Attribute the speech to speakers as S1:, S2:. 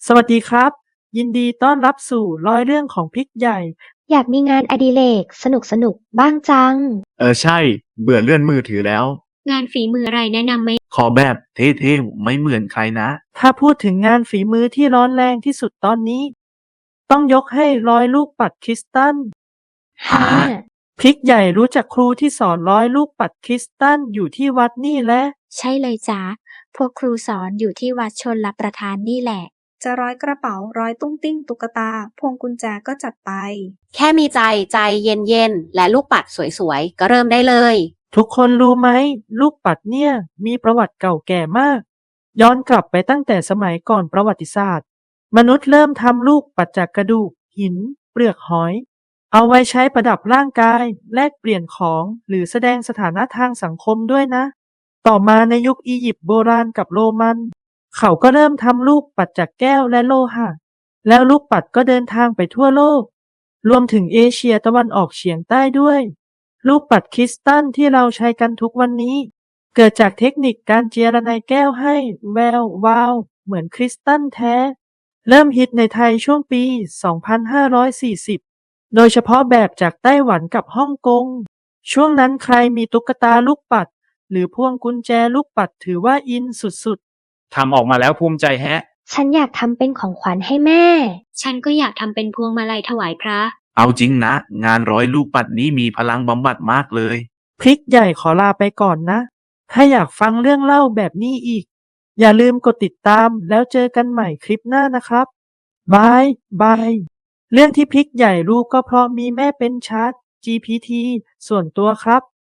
S1: สวัสดีครับยินดีต้อนรับสู่ร้อยเรื่องของพริกใหญ่
S2: อยากมีงานอดิเรกสนุกบ้างจัง
S3: ใช่เบื่อเลื่อนมือถือแล้ว
S4: งานฝีมืออะไรแนะนำไหม
S3: ขอแบบเท่ๆไม่เหมือนใครนะ
S1: ถ้าพูดถึงงานฝีมือที่ร้อนแรงที่สุดตอนนี้ต้องยกให้ร้อยลูกปัดคริสตัล
S3: หา
S1: พริกใหญ่รู้จักครูที่สอนร้อยลูกปัดคริสตัลอยู่ที่วัดนี่แหละ
S4: ใช่เลยจ้าพวกครูสอนอยู่ที่วัดชนรับประทานนี่แหละ
S5: จะร้อยกระเป๋าร้อยตุ้งติ้งตุ๊กตาพวงกุญแจก็จัดไป
S6: แค่มีใจเย็นๆ และลูกปัดสวยๆ ก็เริ่มได้เลย
S1: ทุกคนรู้ไหมลูกปัดเนี่ยมีประวัติเก่าแก่มากย้อนกลับไปตั้งแต่สมัยก่อนประวัติศาสตร์มนุษย์เริ่มทำลูกปัดจากกระดูกหินเปลือกหอยเอาไว้ใช้ประดับร่างกายแลกเปลี่ยนของหรือแสดงสถานะทางสังคมด้วยนะต่อมาในยุคอียิปต์โบราณกับโรมันเขาก็เริ่มทำลูกปัดจากแก้วและโลหะแล้วลูกปัดก็เดินทางไปทั่วโลกรวมถึงเอเชียตะวันออกเฉียงใต้ด้วยลูกปัดคริสตัลที่เราใช้กันทุกวันนี้เกิดจากเทคนิคการเจียระไนแก้วให้แวววาวเหมือนคริสตัลแท้เริ่มฮิตในไทยช่วงปี 2540 โดยเฉพาะแบบจากไต้หวันกับฮ่องกงช่วงนั้นใครมีตุ๊กตาลูกปัดหรือพวงกุญแจลูกปัดถือว่าอินสุด
S3: ทำออกมาแล้วภูมิใจแฮะ
S2: ฉันอยากทำเป็นของขวัญให้แม่
S4: ฉันก็อยากทำเป็นพวงมาลัยถวายพระ
S3: เอาจริงนะงานร้อยลูกปัดนี้มีพลังบำบัดมากเลย
S1: ๆพริกใหญ่ขอลาไปก่อนนะถ้าอยากฟังเรื่องเล่าแบบนี้อีกอย่าลืมกดติดตามแล้วเจอกันใหม่คลิปหน้านะครับบายบายเรื่องที่พริกใหญ่รู้ก็เพราะมีแม่เป็นชาร์ต GPT ส่วนตัวครับ